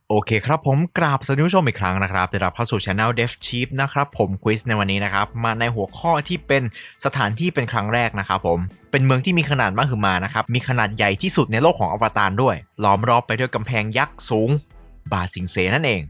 โอเคครับผมกราบสวัสดีผู้ชมอีกครั้งนะครับได้รับเข้าสู่ Channel Dev Chief นะครับผมควิสในวันนี้นะครับมาในหัวข้อที่เป็นสถานที่เป็นครั้งแรกนะครับผมเป็นเมืองที่มีขนาดมหึมานะครับมีขนาดใหญ่ที่สุดในโลกของอวตารด้วยล้อมรอบไปด้วยกำแพงยักษ์สูงบาสิงเซนั่นเอง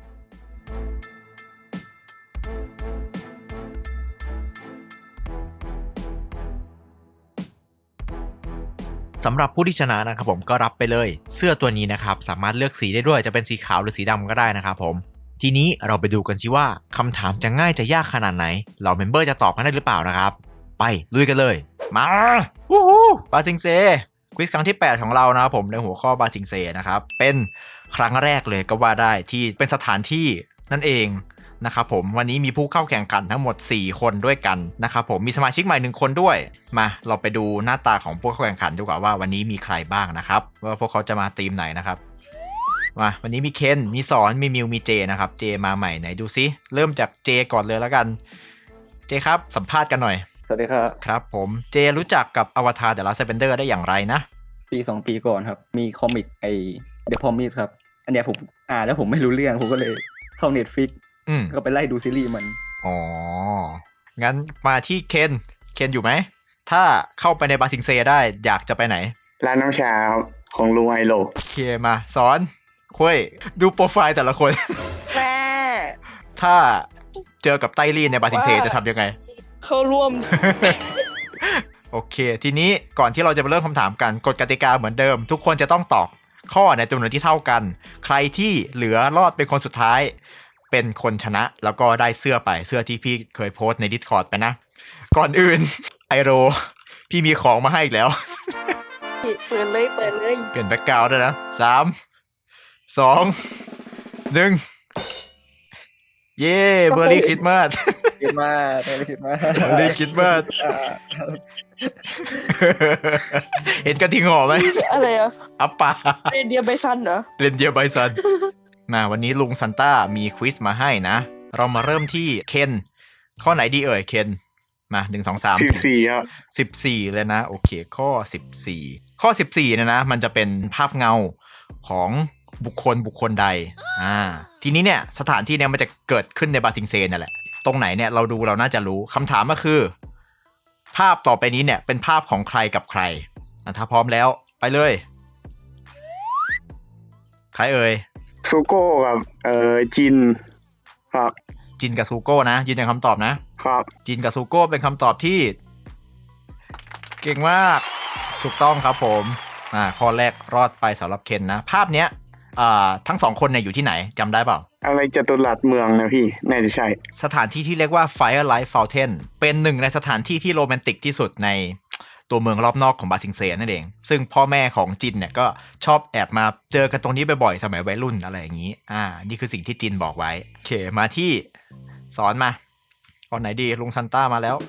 สำหรับผู้ที่ชนะนะครับผมก็รับไปเลยเสื้อตัวนี้นะครับสามารถเลือกสีได้ด้วยจะเป็นสีขาวหรือสีดำก็ได้นะครับผมทีนี้เราไปดูกันสิว่าคำถามจะง่ายจะยากขนาดไหนเหล่าเมมเบอร์จะตอบกันได้หรือเปล่านะครับไปลุยกันเลยมาวู้ฮู้บาซิงเซควิสครั้งที่8ของเรานะครับผมในหัวข้อบาซิงเซนะครับเป็นครั้งแรกเลยก็ว่าได้ที่เป็นสถานที่นั่นเองนะครับผมวันนี้มีผู้เข้าแข่งขันทั้งหมด4คนด้วยกันนะครับผมมีสมาชิกใหม่1คนด้วยมาเราไปดูหน้าตาของผู้เข้าแข่งขันดีกว่าว่าวันนี้มีใครบ้างนะครับว่าพวกเขาจะมาทีมไหนนะครับมาวันนี้มีเคนมีสอนมีมิวมีเจนะครับเจมาใหม่ไหนดูซิเริ่มจากเจก่อนเลยแล้วกันเจครับสัมภาษณ์กันหน่อยสวัสดีครับครับผมเจรู้จักกับอวตารเดอะลาสต์เบนเดอร์ได้อย่างไรนะปี2 ปีก่อนครับมีคอมิกเดอะพอมิสครับอันเนี้ยผมแล้วผมไม่รู้เรื่องผมก็เลยเข้า Netflix ก็ไปไล่ดูซีรีส์มันอ๋องั้นมาที่เคนอยู่ไหมถ้าเข้าไปในบาซิงเซได้อยากจะไปไหนร้านน้ำชาของลุงไอโลโอเคมาสอนคุยดูโปรไฟล์แต่ละคนแม่ถ้าเจอกับไต้ลี่ในบาซิงเซจะทำยังไงเข้าร่วมโอเคทีนี้ก่อนที่เราจะไปเริ่มคำถามกันกฎกติกาเหมือนเดิมทุกคนจะต้องตอบข้อในจำนวนที่เท่ากันใครที่เหลือรอดเป็นคนสุดท้ายเป็นคนชนะแล้วก็ได้เสื้อไปเสื้อที่พี่เคยโพสต์ใน Discord ไปนะก่อนอื่นไอโรพี่มีของมาให้อีกแล้วเปิดเลยเปลี่ยนแบ็คกราวด์ด้วยนะ3 2 1เย้เบอร์รี่คริสต์มาสคิดมากไม่คิดมากเลยคิดว่าเห็นกระทิงห่อไหมอะไรอ่ะอัปปาเรนเดียร์ไบซันเหรอเรนเดียร์ไบซันมาวันนี้ลุงซันต้ามีควิสมาให้นะเรามาเริ่มที่เคนข้อไหนดีเอ่ยเคนมา1 2 3 14ครับ 14เลยนะโอเคข้อ14เนี่ยนะมันจะเป็นภาพเงาของบุคคลใดทีนี้เนี่ยสถานที่เนี่ยมันจะเกิดขึ้นในบาซิงเซนนั่นแหละตรงไหนเนี่ยเราดูเราน่าจะรู้คำถามก็คือภาพต่อไปนี้เนี่ยเป็นภาพของใครกับใครถ้าพร้อมแล้วไปเลยใครเอ่ยซูโก้กับจินครับจินกับซูโก้นะยืนยันคำตอบนะครับจินกับซูโก้เป็นคำตอบที่เก่งมากถูกต้องครับผมข้อแรกรอดไปสำหรับเคนนะภาพเนี้ยทั้ง2คนเนี่ยอยู่ที่ไหนจำได้เปล่าอะไรจตุรัสเมืองนะพี่น่าจะใช่สถานที่ที่เรียกว่า Firelight Fountain เป็นหนึ่งในสถานที่ที่โรแมนติกที่สุดในตัวเมืองรอบนอกของบาซิงเซนั่นเองซึ่งพ่อแม่ของจินเนี่ยก็ชอบแอบมาเจอกันตรงนี้บ่อยๆสมัยวัยรุ่นอะไรอย่างนี้นี่คือสิ่งที่จินบอกไว้โอเคมาที่สอนมาข้อไหนดีลุงซันต้ามาแล้ว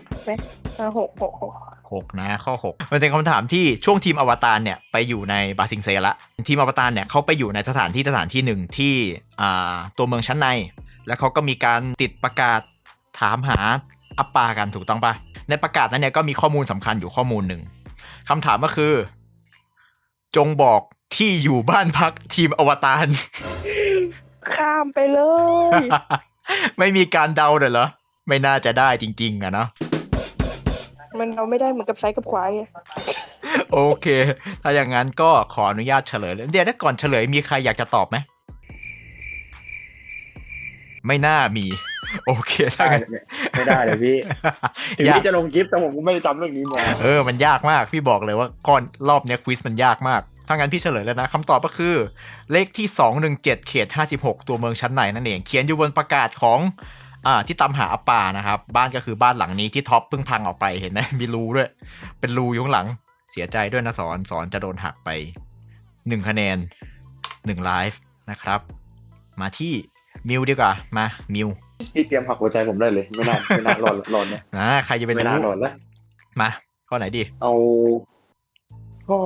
6นะข้อ6มันเป็นคำถามที่ช่วงทีมอวตารเนี่ยไปอยู่ในบาซิงเซละทีมอวตารเนี่ยเขาไปอยู่ในสถานที่หนึ่งที่ตัวเมืองชั้นในแล้วเขาก็มีการติดประกาศถามหาอัปปากันถูกต้องปะในประกาศนั้นเนี่ยก็มีข้อมูลสำคัญอยู่ข้อมูลหนึ่งคำถามก็คือจงบอกที่อยู่บ้านพักทีมอวตารข้ามไปเลยไม่มีการเดาเลยเหรอไม่น่าจะได้จริงๆอะเนาะมันเราไม่ได้เหมือนกับซ้ายกับขวาไงโอเคถ้าอย่างนั้นก็ขออนุญาตเฉลยเลยเดี๋ยวถ้าก่อนเฉลยมีใครอยากจะตอบไหมไม่น่ามีโอเคถ้าไม่ได้เลยพี่ถึงพี่จะลงคลิปแต่ผมก็ไม่ได้จำเรื่องนี้มามันยากมากพี่บอกเลยว่าก่อนรอบเนี้ยควิสมันยากมากถ้างั้นพี่เฉลยแล้วนะคำตอบก็คือเลขที่217เขต56ตัวเมืองชั้นในนั่นเองเขียนอยู่บนประกาศของที่ตามหาอัปปานะครับบ้านก็คือบ้านหลังนี้ที่ท็อปเพิ่งพังออกไปเห็นไหมมีรูด้วยเป็นรูอยู่ข้างหลังเสียใจด้วยนะสอนจะโดนหักไป1คะแนน1ไลฟ์นะครับมาที่มิวดีกว่ามามิวพี่เตรียมหักหัวใจผมได้เลยไม่น่ารอนนะใครจะเป็นไม่น่ารอนแล้วมาข้อไหนดีเอาข้อ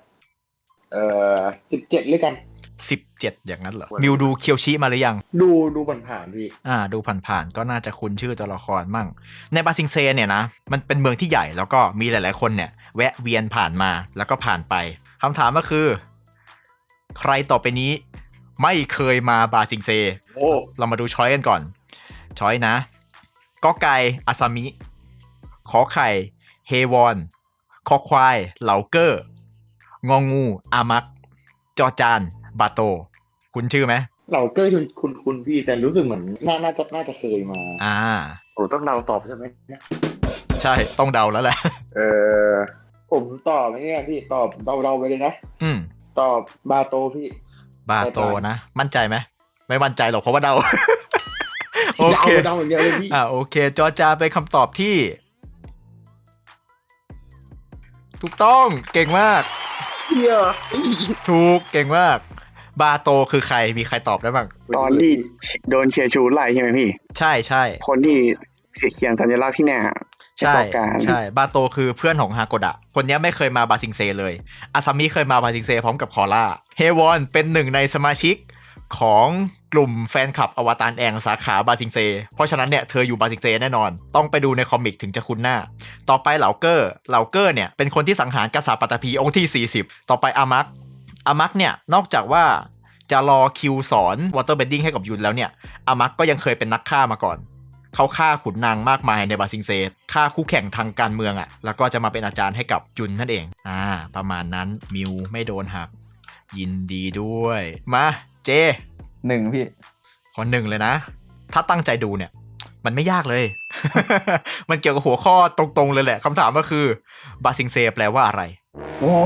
17เลยกัน 17อย่างนั้นเหรอมิวดูเคียวชิมาหรือยังดูผ่านๆพี่ดูผ่านๆก็น่าจะคุ้นชื่อตัวละครมั่งในบาซิงเซเนี่ยนะมันเป็นเมืองที่ใหญ่แล้วก็มีหลายๆคนเนี่ยแวะเวียนผ่านมาแล้วก็ผ่านไปคำถามก็คือใครต่อไปนี้ไม่เคยมาบาซิงเซโอ้เรามาดูช้อยกันก่อน ช้อยนะกอไก่อาซามิขอไข่เฮวอนคอควายเหลาเกอร์งองูอามักจอจานบาโตคุณชื่อไหมเราเกอร์คุณพี่แต่รู้สึกเหมือนน่าจะเคยมา โอ้ต้องเดาตอบใช่ไหมเนี่ยใช่ต้องเดาแล้วแหละเออผมตอบไม่เนี่ยพี่ตอบเดาไปเลยนะ ตอบบาโตพี่บาโตนะมั่นใจไหมไม่มั่นใจหรอกเพราะว่าเดา โอเคเดาอย่างเดียวเลยพี่โอเคจอจาเป็นคำตอบที่ ถูกต้องเก่งมากเฮียถูกเก่งมากบาโตคือใครมีใครตอบได้บ้างตอนที่โดนเชียร์ชูไล่ใช่ไหมพี่ใช่ใช่คนที่เขียนสัญลักษณ์ที่หน้าใช่ประกอบการใช่บาโตคือเพื่อนของฮาโกดะคนนี้ไม่เคยมาบาซิงเซเลยอาซามิเคยมาบาซิงเซพร้อมกับคอร่าเฮวอนเป็นหนึ่งในสมาชิกของกลุ่มแฟนคลับอวตารแองสาขาบาซิงเซเพราะฉะนั้นเนี่ยเธออยู่บาซิงเซแน่นอนต้องไปดูในคอมิกถึงจะคุ้นหน้าต่อไปเหลาเกอร์เนี่ยเป็นคนที่สังหารกษัตริย์ปัตตภีองค์ที่40ต่อไปอามักเนี่ยนอกจากว่าจะรอคิวสอนวอเตอร์เบดดิ้งให้กับยุนแล้วเนี่ยอามักก็ยังเคยเป็นนักฆ่ามาก่อนเขาฆ่าขุนนางมากมายในบาซิงเซฆ่าคู่แข่งทางการเมืองแล้วก็จะมาเป็นอาจารย์ให้กับจุนนั่นเองประมาณนั้นมิวไม่โดนหักยินดีด้วยมาเจ 1พี่ข้อ 1เลยนะถ้าตั้งใจดูเนี่ยมันไม่ยากเลย มันเกี่ยวกับหัวข้อตรงๆเลยแหละคำถามก็คือบาซิงเซแปลว่าอะไรโอ้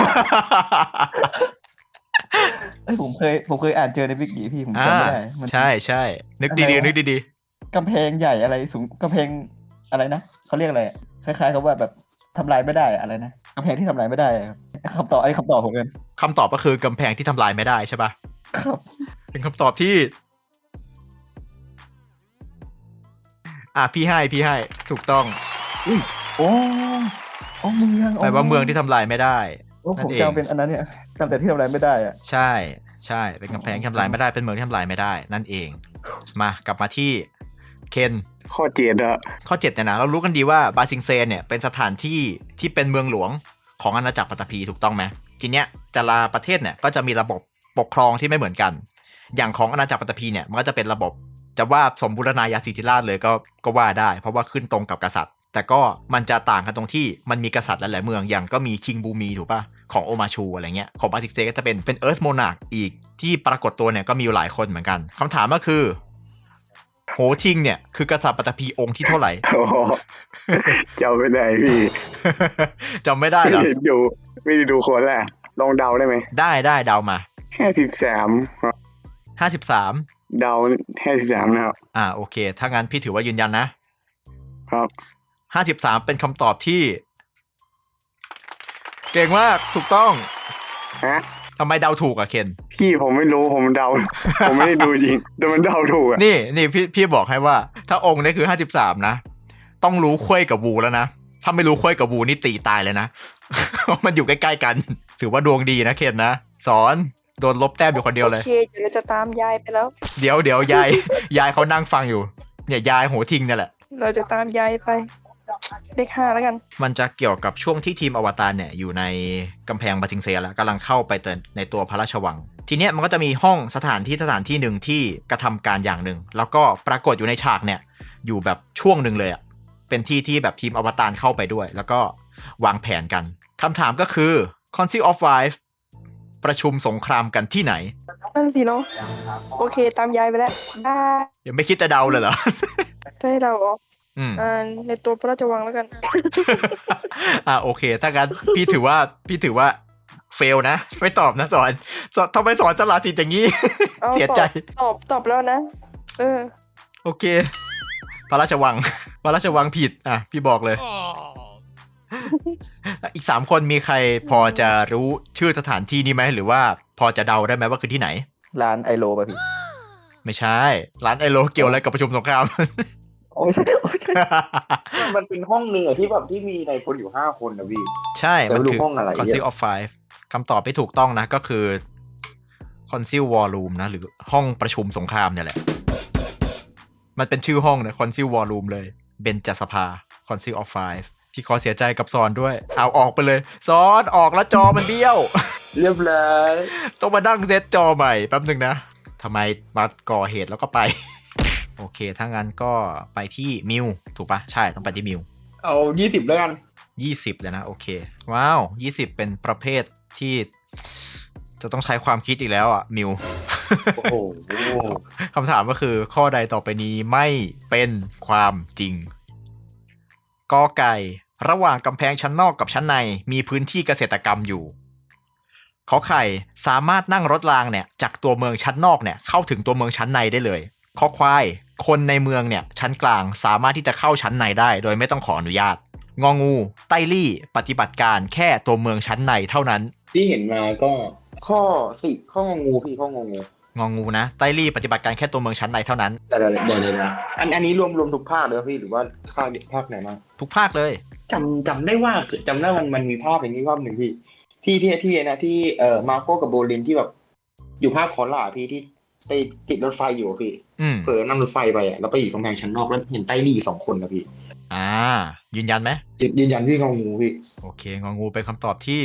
ผมเคยอ่านเจอในวิกิพี่ผมจำไม่ได้ใช่นึกดีๆนึกดีกำแพงใหญ่อะไรสูงกำแพงอะไรนะเขาเรียกอะไรคล้ายๆกับว่าแบบทำลายไม่ได้อะไรนะกำแพงที่ทำลายไม่ได้คำตอบผมเองคำตอบก็คือกำแพงที่ทำลายไม่ได้ใช่ปะครับเป็นคำตอบที่พี่ให้ถูกต้องโอ้เมืองแปลว่าเมืองที่ทำลายไม่ได้ผมจำเป็นอันนั้นเนี่ยจำแต่ที่ทำลายไม่ได้ใช่เป็นกำแพงที่ทำลายไม่ได้เป็นเมืองที่ทำลายไม่ได้นั่นเองมากลับมาที่เคนข้อ7 ข้อ7เนี่ยนะเรารู้กันดีว่าบาซิงเซเนี่ยเป็นสถานที่ที่เป็นเมืองหลวงของอาณาจักรปัตตภีถูกต้องไหมทีเนี้ยแต่ละประเทศเนี่ยก็จะมีระบบปกครองที่ไม่เหมือนกันอย่างของอาณาจักรปัตตภีเนี่ยมันก็จะเป็นระบบจะว่าสมบูรณาญาสิทธิราชย์เลยก็ว่าได้เพราะว่าขึ้นตรงกับกษัตริย์แต่ก็มันจะต่างกันตรงที่มันมีกษัตริย์หลายๆเมืองอย่างก็มีคิงบูมีถูกป่ะของโอมาชูอะไรเงี้ยของบาซิงเซก็จะเป็นเอิร์ธโมนาร์คอีกที่ปรากฏตัวเนี่ยก็มีอยู่หลายคนเหมือนกันคำถามก็คือโหทิงเนี่ยคือกษัตริย์ปัตตภีองค์ที่เท่าไหร่จำไม่ได้พี่จำไม่ได้เหรอไม่ได้ดูคนแหละลองเดาได้ไหมได้เดามา 53เดา53นะครับโอเคถ้างั้นพี่ถือว่ายืนยันนะครับ53เป็นคำตอบที่เก่งมากถูกต้องทำไมเดาถูกเคนพี่ผมไม่รู้ผมเดา ผมไม่ได้ดูจริงแต่มันเดาถูกนี่พี่บอกให้ว่าถ้าองค์นี้คือ53นะต้องรู้ควยกับวูแล้วนะถ้าไม่รู้ควยกับวูนี่ตีตายเลยนะ มันอยู่ใกล้ๆกันถือว่าดวงดีนะเคนนะสอนโดนลบแต้มอยู่คนเดียวเลยโอเคเดี๋ยวเราจะตามยายไปแล้วเดี๋ยวยายเขานั่งฟังอยู่เนี่ยยายโหทิงเนี่ยแหละเราจะตามยายไปเลข5แล้วกันมันจะเกี่ยวกับช่วงที่ทีมอวตารเนี่ยอยู่ในกำแพงบาซิงเซแล้วกำลังเข้าไปในตัวพระราชวังทีเนี้ยมันก็จะมีห้องสถานที่หนึ่งที่กระทำการอย่างหนึ่งแล้วก็ปรากฏอยู่ในฉากเนี่ยอยู่แบบช่วงหนึ่งเลยเป็นที่แบบทีมอวตารเข้าไปด้วยแล้วก็วางแผนกันคำถามก็คือ Council of Five ประชุมสงครามกันที่ไหนนั่นสิเนาะโอเคตามยายไปแล้วยังไม่คิดจะเดาเลยเหรอได้เดาเหรอในตัวพระราชวังแล้วกันโอเคถ้างั้นพี่ถือว่าเฟลนะไม่ตอบนะสอนทำไมสอนฉลาดทีอย่างงี้ เสียใจตอบแล้วนะโอเคพระราชวังผิดพี่บอกเลย อีก3คนมีใครพอจะรู้ชื่อสถานที่นี้ไหมหรือว่าพอจะเดาได้ไหมว่าคือที่ไหนร้านไอโลป่ะพี่ไม่ใช่ร้านไอโลเกี่ยวอะไรกับประชุมสงครามโอ้ใช่มันเป็นห้องนึงที่แบบที่มีในคนอยู่5คนนะพี่ใช่มันคือห้องอะไร Council of Five คำตอบไม่ถูกต้องนะก็คือ Council War Room นะหรือห้องประชุมสงครามเนี่ยแหละมันเป็นชื่อห้องนะ Council War Room เลยเบญจสภา Council of Five ที่ขอเสียใจกับซอนด้วยเอาออกไปเลยซอนออกแล้วจอมันเบี้ยวเรียบร้อยต้องมานั่งเซตจอใหม่แป๊บนึงนะทำไมมาก่อเหตุแล้วก็ไป โอเคถ้างั้นก็ไปที่มิวถูกปะใช่ต้องไปที่มิวเอา20แล้วกัน 20เลยนะโอเคว้าว20เป็นประเภทที่จะต้องใช้ความคิดอีกแล้วอ่ะมิวโอ้โหคำถามก็คือข้อใดต่อไปนี้ไม่เป็นความจริงกอไก่ระหว่างกำแพงชั้นนอกกับชั้นในมีพื้นที่เกษตรกรรมอยู่ขอไข่สามารถนั่งรถรางเนี่ยจากตัวเมืองชั้นนอกเนี่ยเข้าถึงตัวเมืองชั้นในได้เลยขอควายคนในเมืองเนี่ยชั้นกลางสามารถที่จะเข้าชั้นในได้โดยไม่ต้องขออนุญาตงองูไต้ลี่ปฏิบัติการแค่ตัวเมืองชั้นในเท่านั้นที่เห็นมาก็ข้อ10ข้ององูพี่ข้ององูงองูนะไต้ลี่ปฏิบัติการแค่ตัวเมืองชั้นในเท่านั้นเดี๋ยวนะอันนี้รวมทุกภาคเลยพี่หรือว่าภาคไหนบ้างทุกภาคเลยจำได้ว่ามันมีภาพอย่างนี้ภาพหนึ่งพี่ที่นะที่มาโก้กับโบลินที่แบบอยู่ภาคคอล่าพี่ที่ไปติดรถไฟอยู่พี่เผลอนั่งรถไฟไปแล้วไปอยู่กำแพงชั้นนอกแล้วเห็นไต้ลี่2 คนนะพี่ยืนยันไหมยืนยันพี่งองูพี่โอเคงองูเป็นคำตอบที่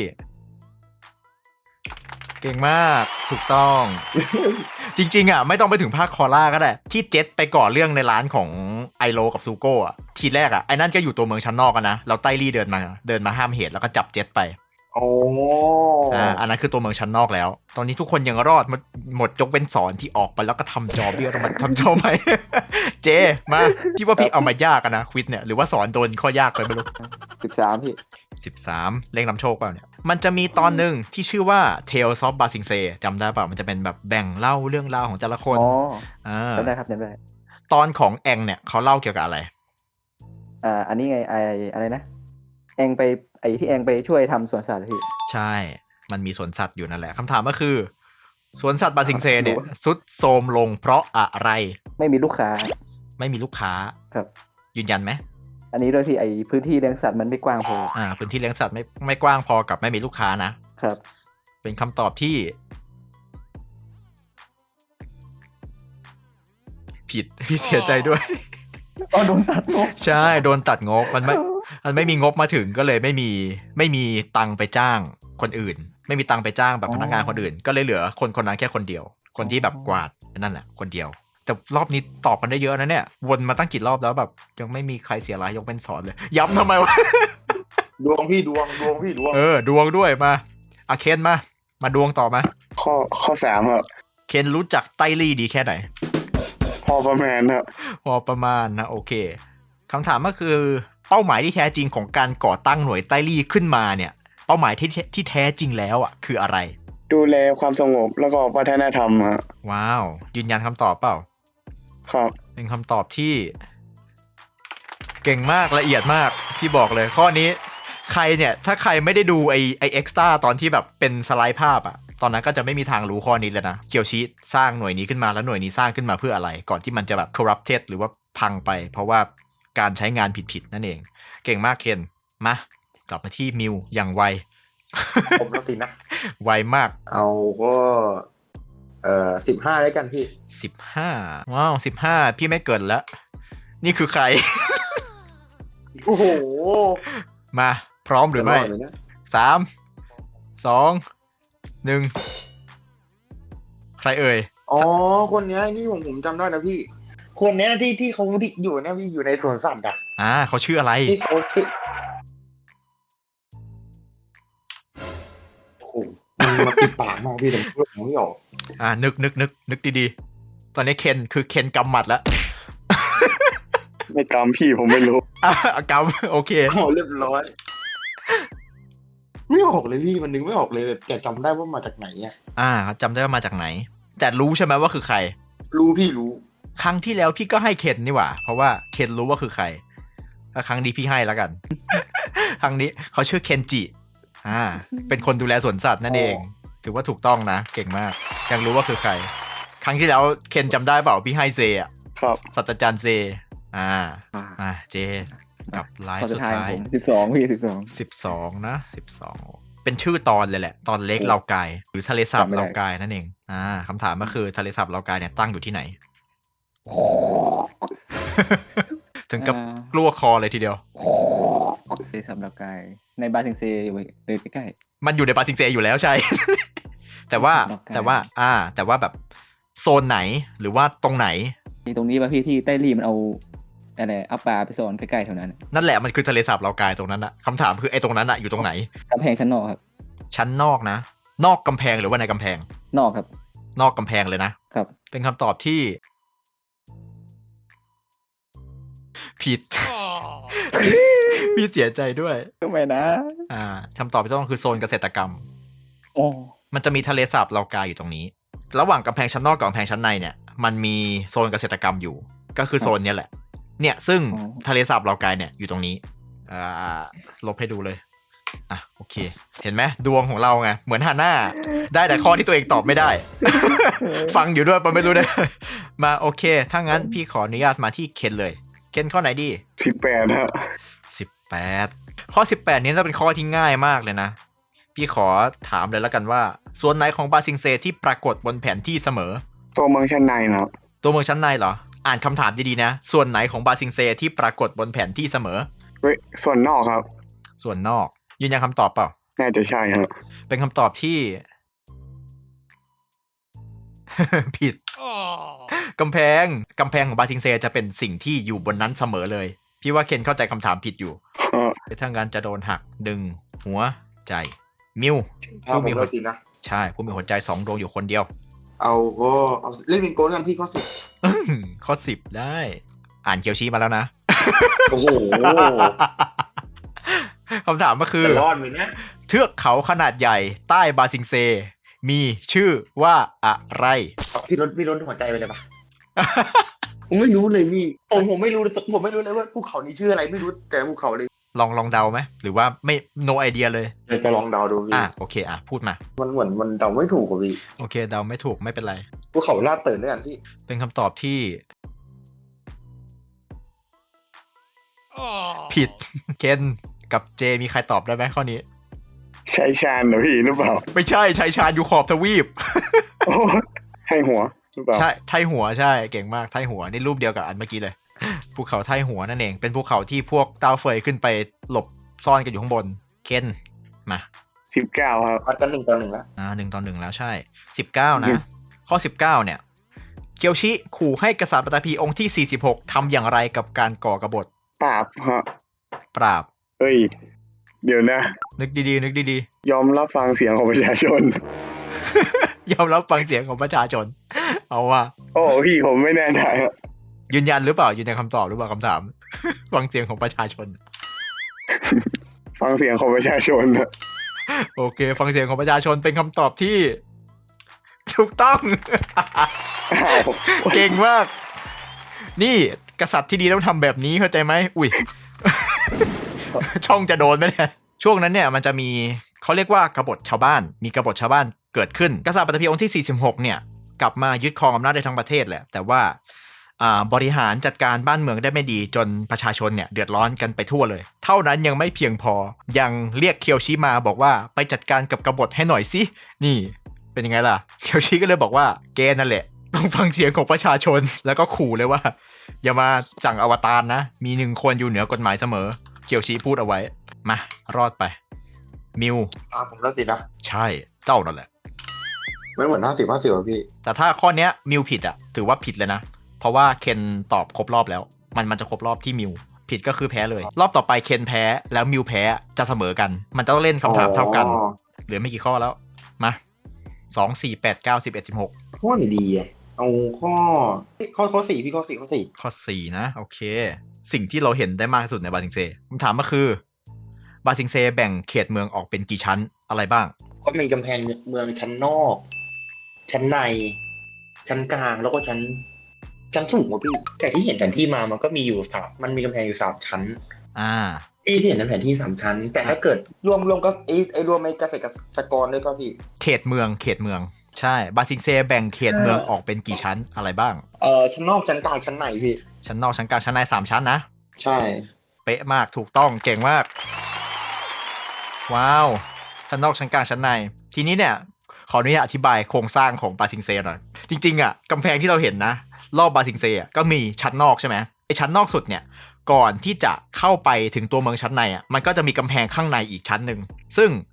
เก่งมากถูกต้อง จริงๆอ่ะไม่ต้องไปถึงภาคคอล่าก็ได้ที่เจ็ตไปก่อเรื่องในร้านของไอโรกับซูโก้อ่ะทีแรกอ่ะไอ้นั่นก็อยู่ตัวเมืองชั้นนอกกันนะแล้วไต้ลี่เดินมาห้ามเหตุแล้วก็จับเจ็ตไปโอ้อันนั้นคือตัวเมืองชั้นนอกแล้วตอนนี้ทุกคนยังรอดหมดยกเป็นสอนที่ออกไปแล้วก็ทำจอเบี้ยวต้องมาทำจอใหม่ เจมาพี่ว่าพี่เอามายากนะควิดเนี่ยหรือว่าสอนโดนข้อยากไปไม่รู้ 13พี่ 13เล่งนำโชคเปล่าเนี่ยมันจะมีตอนหนึ่งที่ชื่อว่า Tales of Ba Sing Se จำได้เปล่ามันจะเป็นแบบแบ่งเล่าเรื่องราวของแต่ละคนจำได้ครับจำได้ตอนของแองเนี่ยเขาเล่าเกี่ยวกับอะไรอันนี้ไงอะไรนะแองไปที่แองไปช่วยทำสวนสัตว์พี่ใช่มันมีสวนสัตว์อยู่นั่นแหละคำถามก็คือสวนสัตว์บาซิงเซเนี่ยสุดโทรมลงเพราะอะไรไม่มีลูกค้าครับยืนยันไหมอันนี้ด้วยพี่พื้นที่เลี้ยงสัตว์มันไม่กว้างพอพื้นที่เลี้ยงสัตว์ไม่กว้างพอกับไม่มีลูกค้านะครับเป็นคำตอบที่ผิดพี่เสียใจด้วยโดนตัดงบใช่โดนตัดงบมันไม่มีงบมาถึงก็เลยไม่มีตังไปจ้างคนอื่นไม่มีตังไปจ้างแบบพนักงานคนอื่นก็เลยเหลือคนนั้นแค่คนเดียวคนที่แบบกวาดนั่นแหละคนเดียวแต่รอบนี้ตอบกันได้เยอะนะเนี่ยวนมาตั้งกี่รอบแล้วแบบยังไม่มีใครเสียรายยกเป็นสอนเลยย้ำทำไมวะดวงพี่ดวงพี่ดวงดวงด้วยมาเคนมาดวงต่อมาข้อ3ครับเคนรู้จักไต้ลี่ดีแค่ไหนพอประมาณครับพอประมาณนะโอเคคำถามก็คือเป้าหมายที่แท้จริงของการก่อตั้งหน่วยไต้ลี่ขึ้นมาเนี่ยเป้าหมายที่แท้จริงแล้วอ่ะคืออะไรดูแลความสงบแล้วก็วัฒนธรรมฮะว้าวยืนยันคำตอบเปล่าครับเป็นคำตอบที่เก่งมากละเอียดมากพี่บอกเลยข้อนี้ใครเนี่ยถ้าใครไม่ได้ดูไอเอ็กซ์ตร้าตอนที่แบบเป็นสไลด์ภาพอ่ะตอนนั้นก็จะไม่มีทางรู้ข้อนี้เลยนะเคียวชิสร้างหน่วยนี้ขึ้นมาแล้วหน่วยนี้สร้างขึ้นมาเพื่ออะไรก่อนที่มันจะแบบ corrupted หรือว่าพังไปเพราะว่าการใช้งานผิดนั่นเองเก่งมากเคนมากลับมาที่มิวอย่างไวผมแล้วสินะไวมากเอาก็15แล้วกันพี่ 15ว้าว15พี่ไม่เกินแล้วนี่คือใครโอ้โหมาพร้อมหรือไม่3 2 1ใครเอ่ยคนนี้นี่ผมจำได้นะพี่คนนี้ที่เขาอยู่เนี่ยพี่อยู่ในสวนสัตว์เขาชื่ออะไรที่เขาโอ้โหมาปิดปากมากพี่แต่พูดไม่ออกนึกดีๆตอนนี้เคนกำหมัดแล้วไม่กำพี่ผมไม่รู้กำโอเคเรียบร้อยไม่ออกเลยพี่มันนึกไม่ออกเลยแต่จำได้ว่ามาจากไหนจำได้ว่ามาจากไหนแต่รู้ใช่ไหมว่าคือใครรู้พี่รู้ครั้งที่แล้วพี่ก็ให้เคนนี่หว่าเพราะว่าเคนรู้ว่าคือใครครั้งนี้พี่ให้แล้วกัน ครั้งนี้เขาชื่อเคนจิเป็นคนดูแลสวนสัตว์นั่นเองถือว่าถูกต้องนะเก่งมากยังรู้ว่าคือใครครั้งที่แล้วเคนจำได้เปล่าพี่ให้เซอ่ะครับศาสตราจารย์เซเจกับไลฟ์สุดท้าย 12พี่ 12นะ12เป็นชื่อตอนเลยแหละตอนเล็กเลากายหรือทะเลสาบเลากายนั่นเองคำถามก็คือทะเลสาบเลากายเนี่ยตั้งอยู่ที่ไหน ถึงกับกลัวคอเลยทีเดียวทะเลสาบเลากายในบาซิงเซอยู่เลยใกล้มันอยู่ในบาซิงเซอยู่แล้วใช่ แต่ว่าแบบโซนไหนหรือว่าตรงไหนตรงนี้ป่ะพี่ที่ใต้รีมันเอาอะไรเอาปลาไปซ่อนใกล้ๆแถวนั้นนั่นแหละมันคือทะเลสาบเลากายตรงนั้นอะคำถามคือไอ้ตรงนั้นอะอยู่ตรงไหนกำแพงชั้นนอกครับชั้นนอกนะนอกกำแพงหรือว่าในกำแพงนอกครับนอกกำแพงเลยนะครับเป็นคำตอบที่ผิด พี่เสียใจด้วยทำไมนะคำตอบที่ต้องคือโซนเกษตรกรรมอ๋อมันจะมีทะเลสาบเลากายอยู่ตรงนี้ระหว่างกำแพงชั้นนอกกับกำแพงชั้นในเนี่ยมันมีโซนเกษตรกรรมอยู่ก็คือโซนนี้แหละเนี่ยซึ่งทะเลสาบเลากายเนี่ยอยู่ตรงนี้ลบให้ดูเลยโอเคเห็นไหมดวงของเราไงเหมือนฮาน่าได้แต่ข้อที่ตัวเองตอบไม่ได้ ฟังอยู่ด้วยปะไม่รู้นะมาโอเคถ้างั้นพี่ขออนุญาตมาที่เคนเลยเคนข้อไหนดี 18ครับ 18ข้อ18นี้จะเป็นข้อที่ง่ายมากเลยนะพี่ขอถามเลยแล้วกันว่าส่วนไหนของบาซิงเซที่ปรากฏบนแผนที่เสมอตัวเมืองชั้นในครับตัวเมืองชั้นในเหรออ่านคำถามดีๆนะส่วนไหนของบาซิงเซที่ปรากฏบนแผนที่เสมอส่วนนอกครับส่วนนอกยืนยันคำตอบเปล่าน่าจะใช่ครับเป็นคำตอบที่ ผิดกำแพงของบาซิงเซจะเป็นสิ่งที่อยู่บนนั้นเสมอเลยพี่ว่าเคนเข้าใจคำถามผิดอยู่เป็นทางการจะโดนหักดึงหัวใจมิวผู้มีหัวใจนะใช่ผู้มีหัวใจ2ดวงอยู่คนเดียวเอาเล่นเป็นโกลกันพี่ข้อ 10ข้อ10ได้อ่านเคียวชี้มาแล้วนะโอ้โหคำถามก็คือจะรอดไหมเนี่ยเทือกเขาขนาดใหญ่ใต้บาซิงเซมีชื่อว่าอะไรพี่รถหัวใจไปเลยปะ ผมไม่รู้เลยพี่ผมไม่รู้เลยว่าภูเขานี้ชื่ออะไรไม่รู้แต่ภูเขาเลยลองเดาไหมหรือว่าไม่ no idea เลยจะลองเดาดูพี่โอเคพูดมามันเหมือนมันเดาไม่ถูกอ่ะพี่โอเคเดาไม่ถูกไม่เป็นไรภูเขาลาดเติร์นด้วยกันพี่เป็นคำตอบที่ผิดเคนกับเจมีใครตอบได้ไหมข้อนี้ชัยชาญเหรอพี่หรือเปล่าไม่ใช่ชัยชาญอยู่ขอบทวีปให้หัวหรือเปล่าใช่ไทหัวใช่เก่งมากไทหัวนี่รูปเดียวกับอันเมื่อกี้เลยภูเขาไทหัวนั่นเองเป็นภูเขาที่พวกเต้าเฟยขึ้นไปหลบซ่อนกันอยู่ข้างบนเคนมา 19ครับวัดกัน1-1แล้ว 1-1แล้วใช่19นะข้อ19เนี่ยเคียวชิขู่ให้กษัตริย์ปัตตภีองค์ที่46ทำอย่างไรกับการก่อกบฏปราบฮะปราบเอ้ยเดี๋ยวนะนึกดีๆยอมรับฟังเสียงของประชาชนยอมรับฟังเสียงของประชาชนเอาว่าโอ้พี่ผมไม่แน่ใจครับยืนยันหรือเปล่ายืนยันคำตอบหรือเปล่าคำถามฟังเสียงของประชาชนฟังเสียงของประชาชนโอเคฟังเสียงของประชาชนเป็นคำตอบที่ถูกต้องเก่งมากนี่กษัตริย์ที่ดีต้องทำแบบนี้เข้าใจไหมอุ้ยช่องจะโดนไหมเนี่ยช่วงนั้นเนี่ยมันจะมีเขาเรียกว่ากบฏชาวบ้านมีกบฏชาวบ้านเกิดขึ้นกษัตริย์ปัตตภีองค์ที่46เนี่ยกลับมายึดครองอำนาจได้ทั้งประเทศแหละแต่ว่าบริหารจัดการบ้านเมืองได้ไม่ดีจนประชาชนเนี่ยเดือดร้อนกันไปทั่วเลยเท่านั้นยังไม่เพียงพอยังเรียกเคียวชิมาบอกว่าไปจัดการกับกบฏให้หน่อยสินี่เป็นยังไงล่ะเคียวชิก็เลยบอกว่าแกนั่นแหละต้องฟังเสียงของประชาชนแล้วก็ขู่เลยว่าอย่ามาสั่งอวตารนะมี1คนอยู่เหนือกฎหมายเสมอเคียวชิพูดเอาไว้มารอดไปมิวผมแล้วสินะใช่เจ้านั่นแหละไม่เหมือน50-50พี่แต่ถ้าข้อเนี้ยมิวผิดถือว่าผิดเลยนะเพราะว่าเคนตอบครบรอบแล้วมันจะครบรอบที่มิวผิดก็คือแพ้เลยรอบต่อไปเคนแพ้แล้วมิวแพ้จะเสมอกันมันจะต้องเล่นคำถามเท่ากันเหลือไม่กี่ข้อแล้วมา2 4 8 9 11 16 ข้อไหนดีเอาข้อ4พี่ข้อ 4นะโอเคสิ่งที่เราเห็นได้มากที่สุดในบาซิงเซคำถามก็คือบาซิงเซแบ่งเขตเมืองออกเป็นกี่ชั้นอะไรบ้างก็มีกำแพงเมืองชั้นนอกชั้นในชั้นกลางแล้วก็ชั้นสูงกว่าพี่แต่ที่เห็นแผนที่มามันก็มีอยู่มันมีกำแพงอยู่3ชั้นที่เห็นในแผนที่3ชั้นแต่ถ้าเกิดรวมก็รวมในเกษตรกรด้วยป่ะพี่เขตเมืองใช่บาซิงเซแบ่งเขตเมืองออกเป็นกี่ชั้นอะไรบ้างชั้นนอกชั้นกลางชั้นในพี่ชั้นนอกชั้นกลางชั้นใน3ชั้นนะใช่เป๊ะมากถูกต้องเก่งมากว้าวชั้นนอกชั้นกลางชั้นในทีนี้เนี่ยขออนุญาตอธิบายโครงสร้างของบาซิงเซหน่อยจริงๆกำแพงที่เราเห็นนะรอบบาซิงเซก็มีชั้นนอกใช่ไหมไอชั้นนอกสุดเนี่ยก่อนที่จะเข้าไปถึงตัวเมืองชั้นในมันก็จะมีกำแพงข้างในอีกชั้นหนึ่งซึ่ง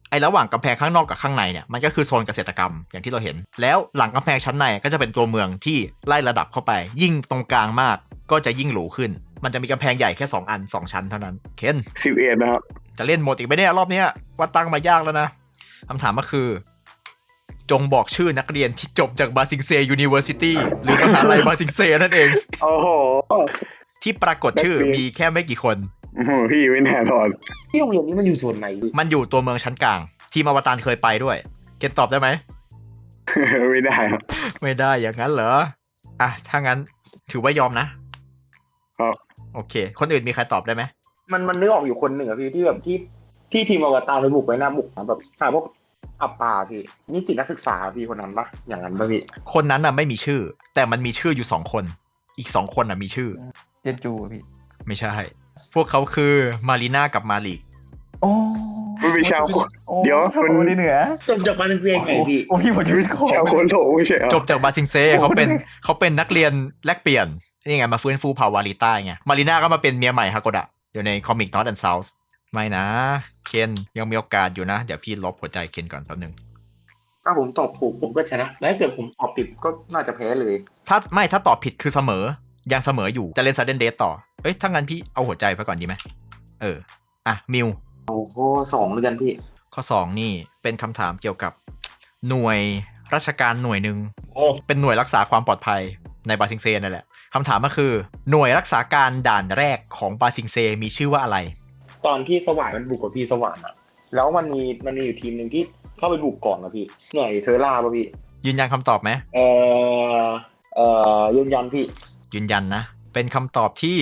ไอ้ระหว่างกำแพงข้างนอกกับข้างในเนี่ยมันก็คือโซนเกษตรกรรมอย่างที่เราเห็นแล้วหลังกำแพงชั้นในก็จะเป็นตัวเมืองที่ไล่ระดับเข้าไปยิ่งตรงกลางมากก็จะยิ่งหรูขึ้นมันจะมีกำแพงใหญ่แค่2 อัน 2 ชั้นเท่านั้นเคน 11นะครับจะเล่นหมดอีกไหมเนี่ยรอบเนี้ยว่าตั้งมายากแล้วนะคำถามก็คือจงบอกชื่อนักเรียนที่จบจากบาซิงเซยูนิเวอร์ซิตี้หรือมหาลัยบาซิงเซนั่นเองโอ้โหที่ปรากฏชื่อมีแค่ไม่กี่คนพี่ไม่แน่นอนที่โรงเรียนนี้มันอยู่ส่วนไหนมันอยู่ตัวเมืองชั้นกลางทีมอวตารเคยไปด้วยเกณฑ์ตอบได้ไหมไม่ได้ครับไม่ได้อย่างนั้นเหรออ่ะถ้างั้นถือว่ายอมนะครับ โอเคคนอื่นมีใครตอบได้ไหมมันนึกออกอยู่คนหนึ่งอะพี่ที่แบบที่ทีมอวตารไปบุกไปหน้าบุกแบบหาพวกอับปาพี่นี่ติดนักศึกษาพี่คนนั้นปะอย่างนั้นปะพี่คนนั้นน่ะไม่มีชื่อแต่มันมีชื่ออยู่2 คนอีก2 คนน่ะมีชื่อเจนจูพี่ไม่ใช่พวกเขาคือมารีน่ากับมาลิกโอ้มันเป็นชาวคนเดี๋ยวคนมันที่เหนือจบจากบาเลนเซียไงพี่โอ้พี่ผมจะวิเคราะห์ชาวโคนโถไม่ใช่เหรอจบจากบาซิงเซ่เขาเป็นนักเรียนแลกเปลี่ยนนี่ไงมาฟื้นฟูเผ่าวาริต้าไงมารีน่าก็มาเป็นเมียใหม่ฮาโกดะอยู่ในคอมิก North and South ไม่นะเคนยังมีโอกาสอยู่นะเดี๋ยวพี่ลบหัวใจเคนก่อนแป๊บนึงถ้าผมตอบถูกผมก็ชนะแล้วถ้าเกิดผมตอบผิดก็น่าจะแพ้เลยถ้าตอบผิดคือเสมอยังเสมออยู่จะเล่น Sudden Death ต่อเอ้ยถ้างั้นพี่เอาหัวใจไปก่อนดีไหมอ่ะมิวโอ้โห2เลยกันพี่ข้อ2นี่เป็นคำถามเกี่ยวกับหน่วยราชการหน่วยหนึ่งโอ้เป็นหน่วยรักษาความปลอดภัยในบาซิงเซนั่นแหละคำถามก็คือหน่วยรักษาการด่านแรกของบาซิงเซมีชื่อว่าอะไรตอนที่สว่านมันบุกกับพี่สว่านอะแล้วมันมีอยู่ทีมหนึ่งที่เข้าไปบุกก่อนนะพี่หน่วยเทอร่าป่ะพี่ยืนยันคำตอบไหมยืนยันพี่ยืนยันนะ เป็นคำตอบที่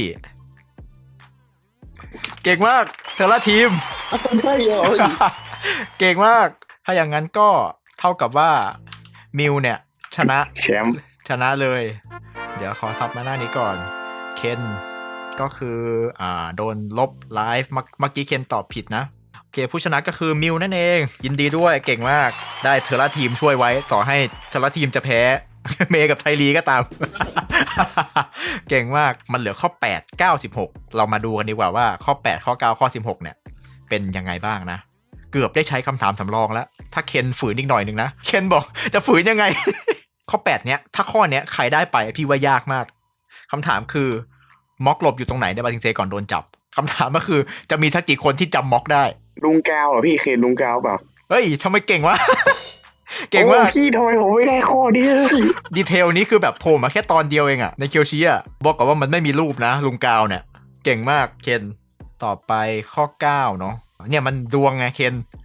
เก่งมากเทอร่าทีมใช่เหรอเก่งมาก ถ้าอย่างนั้นก็เท่ากับว่ามิวเนี่ยชนะแชมป์ชนะเลย เดี๋ยวขอซับมาหน้านี้ก่อน เคนก็คือโดนลบไลฟ์เมื่อกี้เคนตอบผิดนะ โอเคผู้ชนะก็คือมิวนั่นเอง ยินดีด้วยเก่งมาก ได้เทอร่าทีมช่วยไว้ ต่อให้เทอร่าทีมจะแพ้ เมย์กับไทลีก็ตาม เก่งมาก มันเหลือข้อ 8 9 16 เรามาดูกันดีกว่าว่าข้อ 8 ข้อ 9 ข้อ 16 เนี่ย เป็นยังไงบ้างนะ เกือบได้ใช้คำถามสำรองแล้ว ถ้าเคนฝืนอีกหน่อยนึงนะ เคนบอกจะฝืนยังไง ข้อ 8 เนี้ยถ้าข้อเนี้ยใครได้ไปพี่ว่ายากมากคำถามคือม็อกหลบอยู่ตรงไหนในบาซิงเซก่อนโดนจับคำถามก็คือจะมีสักกี่คนที่จำม็อกได้ลุงกาวเหรอพี่เคนลุงกาวเปล่าเฮ้ยทำไมเก่งวะ เก่งมากโอ้พี่ทำไมผมไม่ได้ข้อนี้เลยดีเทลนี้คือแบบโผล่มาแค่ตอนเดียวเองอะในเคียวชิอะบอกก่อนว่ามันไม่มีรูปนะลุงกาวเนี่ยเก่งมากเคนต่อไปข้อ 9 เนาะเนี่ยมันดวงไงเคน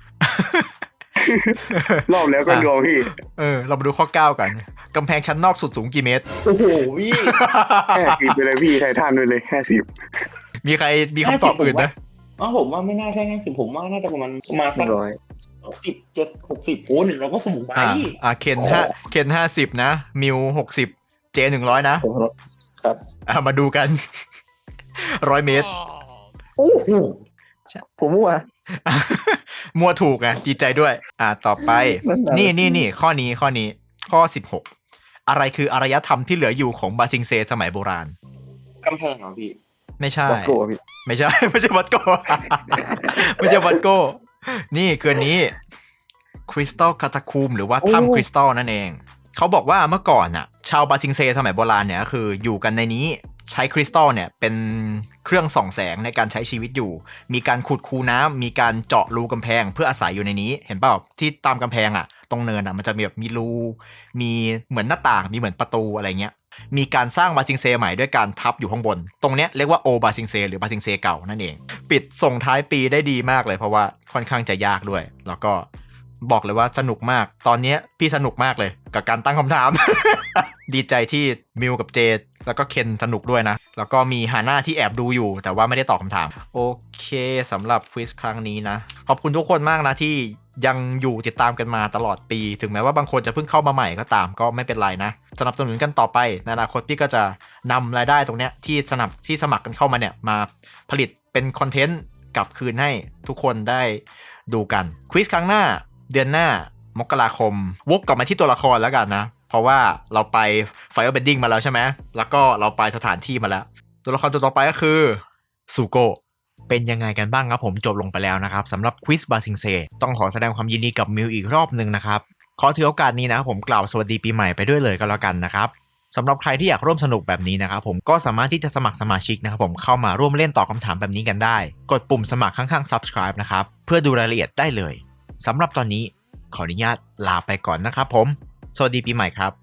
รอบแล้วก็ดวงพี่เรามาดูข้อ 9 กันกำแพงชั้นนอกสุดสูงกี่เมตรโอ้โหพี่ 50ไปเลยพี่ไททันไปเลย50 มีใครมีคำตอบอื่นนะผมว่าไม่น่าใช่50ผมว่าน่าจะประมาณสัก 60 60โอ้100ก็สูงไปเคน50นะมิว60เจ100นะครับ มาดูกัน 100 เมตรโอ้โหผมมั่วมัวถูกไงดีใจด้วยต่อไป นี่ข้อนี้ข้อ 16 อะไรคืออารยธรรมที่เหลืออยู่ของบาซิงเซสมัยโบราณกำแพงเหรอพี่ไม่ใช่บอสโกพี่ไม่ใช่ ไม่ใช่วัดโก ไม่ใช่วัดโก นี่คืออันนี้คริสตัลคาตาคูมหรือว่าถ้ำคริสตัลนั่นเอง เขาบอกว่าเมื่อก่อนน่ะชาวบาซิงเซสมัยโบราณเนี่ยก็คืออยู่กันในนี้ใช้คริสตัลเนี่ยเป็นเครื่องส่องแสงในการใช้ชีวิตอยู่มีการขุดคูน้ำมีการเจาะรูกำแพงเพื่ออาศัยอยู่ในนี้เห็นเปล่าที่ตามกำแพงตรงเนินมันจะมีแบบมีรูมีเหมือนหน้าต่างมีเหมือนประตูอะไรเงี้ยมีการสร้างบาซิงเซใหม่ด้วยการทับอยู่ข้างบนตรงเนี้ยเรียกว่าโอบาซิงเซหรือบาซิงเซเก่านั่นเองปิดส่งท้ายปีได้ดีมากเลยเพราะว่าค่อนข้างจะยากด้วยแล้วก็บอกเลยว่าสนุกมากตอนนี้พี่สนุกมากเลยกับการตั้งคำถาม ดีใจที่มิวกับเจแล้วก็เคนสนุกด้วยนะแล้วก็มีฮาน่าที่แอบดูอยู่แต่ว่าไม่ได้ตอบคำถามโอเคสำหรับควิสครั้งนี้นะขอบคุณทุกคนมากนะที่ยังอยู่ติดตามกันมาตลอดปีถึงแม้ว่าบางคนจะเพิ่งเข้ามาใหม่ก็ตามก็ไม่เป็นไรนะสนับสนุนกันต่อไปในอนาคตพี่ก็จะนำรายได้ตรงเนี้ยที่สมัครกันเข้ามาเนี่ยมาผลิตเป็นคอนเทนต์กลับคืนให้ทุกคนได้ดูกันควิสครั้งหน้าเดือนหน้ามกราคมวกกลับมาที่ตัวละครแล้วกันนะเพราะว่าเราไป Firebending มาแล้วใช่ไหมแล้วก็เราไปสถานที่มาแล้วตัวละครตัวต่อไปก็คือซูโกะเป็นยังไงกันบ้างครับผมจบลงไปแล้วนะครับสำหรับควิสบาซิงเซต้องขอแสดงความยินดีกับมิวอีกรอบหนึ่งนะครับขอถือโอกาสนี้นะครับผมกล่าวสวัสดีปีใหม่ไปด้วยเลยก็แล้วกันนะครับสำหรับใครที่อยากร่วมสนุกแบบนี้นะครับผมก็สามารถที่จะสมัครสมาชิกนะครับผมเข้ามาร่วมเล่นตอบคำถามแบบนี้กันได้กดปุ่มสมัครข้างๆ subscribe นะครับเพื่อดูรายละเอียดได้เลยสำหรับตอนนี้ขออนุญาตลาไปก่อนนะครับผมสวัสดีปีใหม่ครับ